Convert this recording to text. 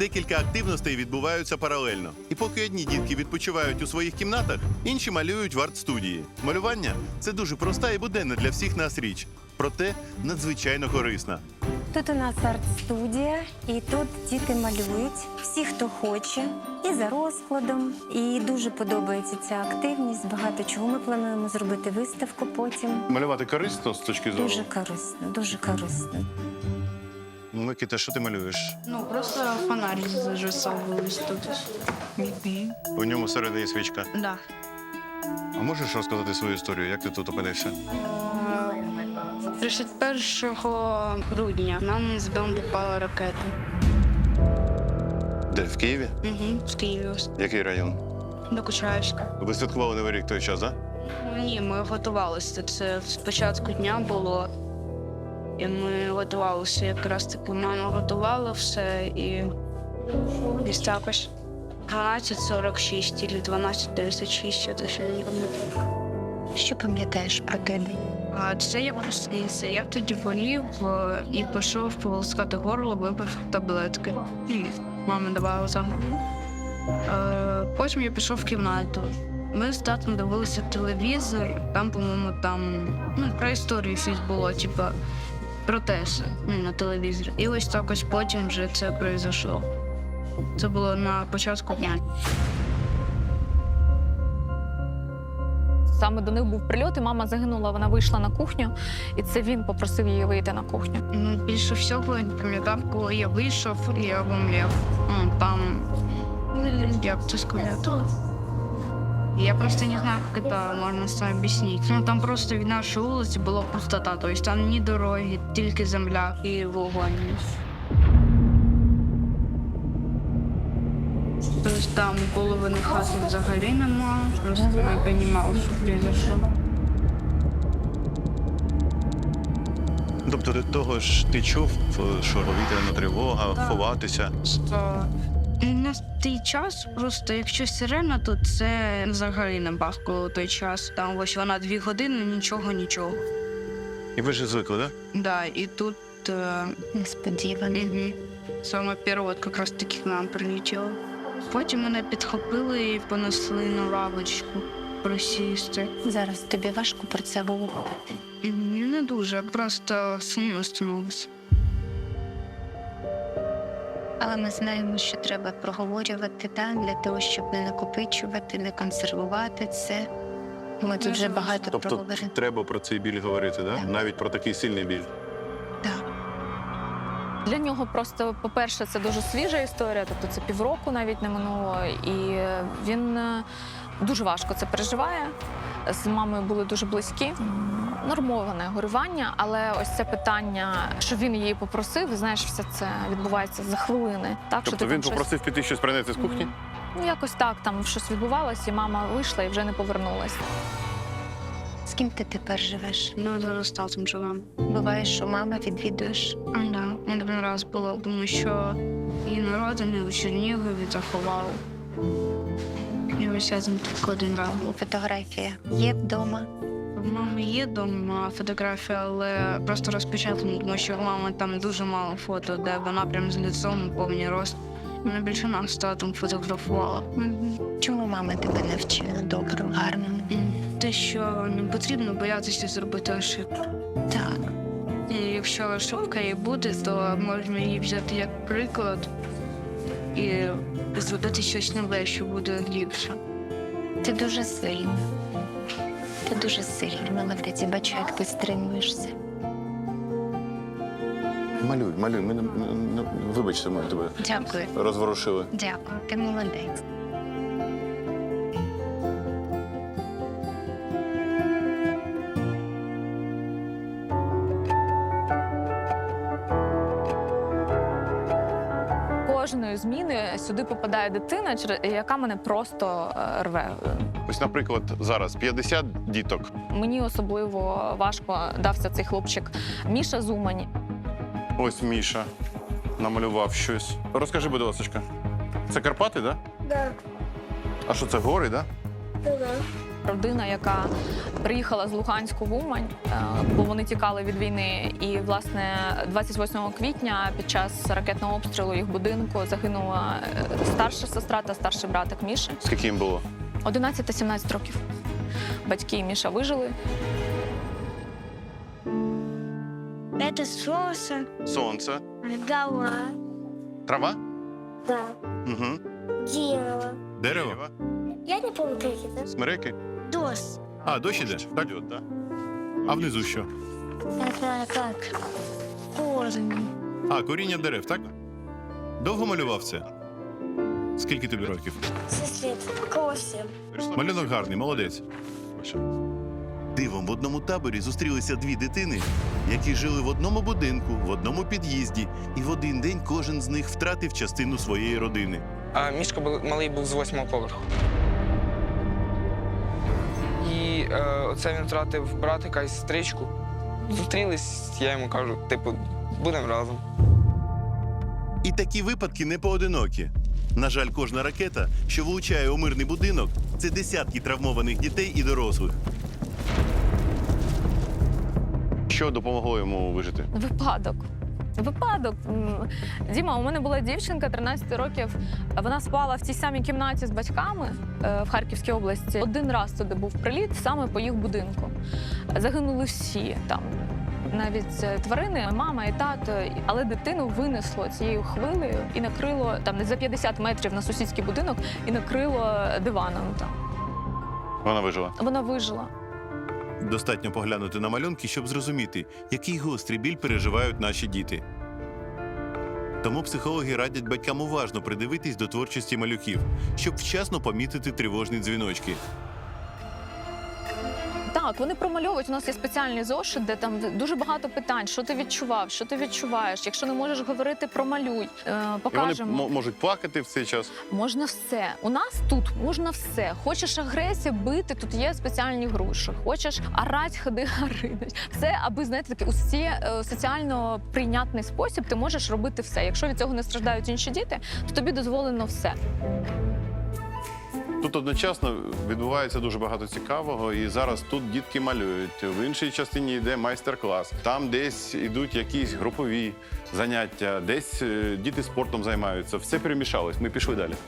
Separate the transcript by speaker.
Speaker 1: Декілька активностей відбуваються паралельно. І поки одні дітки відпочивають у своїх кімнатах, інші малюють в арт-студії. Малювання – це дуже проста і буденна для всіх нас річ. Проте надзвичайно корисна.
Speaker 2: Тут у нас арт-студія, і тут діти малюють, всі, хто хоче, і за розкладом. І дуже подобається ця активність, багато чого. Ми плануємо зробити виставку потім.
Speaker 1: Малювати корисно з точки зору?
Speaker 2: Дуже корисно, дуже корисно.
Speaker 1: Микита, що ти малюєш?
Speaker 3: Ну, просто фонарик зажасовывались тут.
Speaker 1: У ньому всередині свічка.
Speaker 3: Да.
Speaker 1: А можеш розказати свою історію, як ти тут опинився?
Speaker 3: 31 грудня нам з дому попала ракета.
Speaker 1: Де, в Києві?
Speaker 3: Угу, в Києві.
Speaker 1: Який район?
Speaker 3: До Кучаївська.
Speaker 1: Ви святкували Новий рік той час, так?
Speaker 3: Ні, ми готувалися. Це спочатку дня було. І ми готувалися. Якраз таки мама готувала все і десь також 12:46 або 12:36, я точно не пам'ятаю.
Speaker 2: Що пам'ятаєш про той день?
Speaker 3: А це я проснувся. Я тоді болів і пішов полоскати горло, випив таблетки. І мама давала там. Потім я пішов в кімнату. Ми з татом дивилися телевізор, там, по-моєму, про історію щось було, про те, на телевізорі. І ось так ось потім вже це произошло. Це було на початку дня.
Speaker 4: Саме до них був прильот, і мама загинула, вона вийшла на кухню, і це він попросив її вийти на кухню.
Speaker 3: Більше всього я пам'ятав, коли я вийшов, і я обомлів. Там, як це сказати? Я просто не знаю, как это можно объяснить. Там просто від нашої вулиці була пустота, тобто там ні дороги, тільки земля і вогонь. Тобто там половини хати взагалі нема, просто не розумів, що произошло.
Speaker 1: Тобто до того ж ти чув, що повітряна тривога, ховатися?
Speaker 3: На той час, просто якщо сирена, то це взагалі не бахкало той час. Там ось вона 2 години, нічого.
Speaker 1: І ви ж звикли, так?
Speaker 3: Да, і тут
Speaker 2: Несподівано.
Speaker 3: саме перше от якраз таки к нам прилетіло. Потім мене підхопили і понесли на лавочку присісти.
Speaker 2: Зараз тобі важко про це говорити.
Speaker 3: Не дуже, просто сумно становилось.
Speaker 2: Але ми знаємо, що треба проговорювати, для того, щоб не накопичувати, не консервувати це. Ми тут вже багато
Speaker 1: Тобто
Speaker 2: проговорили.
Speaker 1: треба про цей біль говорити, так?
Speaker 2: Так.
Speaker 1: Навіть про такий сильний біль.
Speaker 2: Так.
Speaker 4: Для нього просто, по-перше, це дуже свіжа історія, тобто це півроку навіть не минуло, і він дуже важко це переживає. З мамою були дуже близькі. Нормоване горювання, але ось це питання, що він її попросив, знаєш, все це відбувається за хвилини. Так,
Speaker 1: Тобто він попросив піти щось принести з кухні?
Speaker 4: Ну, якось так, там щось відбувалося, і мама вийшла і вже не повернулась.
Speaker 2: З ким ти тепер живеш?
Speaker 3: Ну, зараз з татом живемо.
Speaker 2: Буває, що мама відвідуєш.
Speaker 3: Да, не один раз було, тому що її народини у Чернігові заховали. І ось я там тільки один раз був.
Speaker 2: Фотографія є вдома.
Speaker 3: В мами є дома фотографія, але просто розпечатана, тому що у мами там дуже мало фото, де вона прям з лицом, повний рост. Вона більше нас з татом фотографувала.
Speaker 2: Чому мама тебе навчила доброму, гарному?
Speaker 3: Те, що не потрібно боятися зробити ошибку.
Speaker 2: Так.
Speaker 3: І якщо ошибка і буде, то можна її взяти як приклад і зробити щось нове, що буде ліпше.
Speaker 2: Ти дуже сильна. Ти дуже сильна, молодець. Я бачу, як ти стримуєшся.
Speaker 1: Малюй. Вибачте, ми тебе
Speaker 2: Дякую.
Speaker 1: розворушили.
Speaker 2: Дякую, ти молодець.
Speaker 4: Кожної зміни сюди попадає дитина, яка мене просто рве.
Speaker 1: Ось, наприклад, зараз 50 діток.
Speaker 4: Мені особливо важко дався цей хлопчик Міша Зумань.
Speaker 1: Ось Міша намалював щось. Розкажи, будь ласка, це Карпати, так?
Speaker 5: Да,
Speaker 1: А що це, гори, так?
Speaker 5: да.
Speaker 4: родина, яка приїхала з Луганську в Умань, бо вони тікали від війни. І, власне, 28 квітня під час ракетного обстрілу їх будинку загинула старша сестра та старший братик Міші.
Speaker 1: Скільки їм було?
Speaker 4: 11 та 17 років. Батьки і Міша вижили.
Speaker 5: Это солнце,
Speaker 1: Сонце.
Speaker 5: гала,
Speaker 1: Трава?
Speaker 5: да,
Speaker 1: Угу.
Speaker 5: дерево.
Speaker 1: Дерево?
Speaker 5: Я не помню, как это.
Speaker 1: Смереки?
Speaker 5: Дождь.
Speaker 1: А, дощ іде? Так. А внизу що?
Speaker 5: Это как? Корни.
Speaker 1: А, коріння дерев, так? Довго малював це? Скільки тобі років?
Speaker 5: 6 лет. Косим.
Speaker 1: Малюнок гарний, молодець. Дивом в одному таборі зустрілися дві дитини, які жили в одному будинку, в одному під'їзді, і в один день кожен з них втратив частину своєї родини.
Speaker 6: А Мішка малий був з 8-го поверху. І оце він втратив братика і сестричку. Зустрілись, я йому кажу, типу, будемо разом.
Speaker 1: І такі випадки не поодинокі. На жаль, кожна ракета, що влучає у мирний будинок, це десятки травмованих дітей і дорослих. Що допомогло йому вижити?
Speaker 4: Випадок. Випадок. Діма, у мене була дівчинка 13 років. Вона спала в тій самій кімнаті з батьками в Харківській області. Один раз туди був приліт саме по їх будинку. Загинули всі там. Навіть тварини, мама і тато, але дитину винесло цією хвилею і накрило там не за 50 метрів на сусідський будинок і накрило диваном. Там
Speaker 1: Вона вижила.
Speaker 4: вона вижила.
Speaker 1: Достатньо поглянути на малюнки, щоб зрозуміти, який гострий біль переживають наші діти. Тому психологи радять батькам уважно придивитись до творчості малюків, щоб вчасно помітити тривожні дзвіночки.
Speaker 4: Так, вони промальовують. У нас є спеціальний зошит, де там дуже багато питань. Що ти відчував, що ти відчуваєш? Якщо не можеш говорити, промалюй. Покажемо.
Speaker 1: Можуть плакати в цей час.
Speaker 4: Можна все. У нас тут можна все. Хочеш агресія, бити, тут є спеціальні груші. Хочеш орать, ходи, оридать. Все, аби, знаєте, такий соціально прийнятний спосіб, ти можеш робити все. Якщо від цього не страждають інші діти, то тобі дозволено все.
Speaker 1: Тут одночасно відбувається дуже багато цікавого, і зараз тут дітки малюють. В іншій частині йде майстер-клас. Там десь йдуть якісь групові заняття, десь діти спортом займаються. Все перемішалось. Ми пішли далі.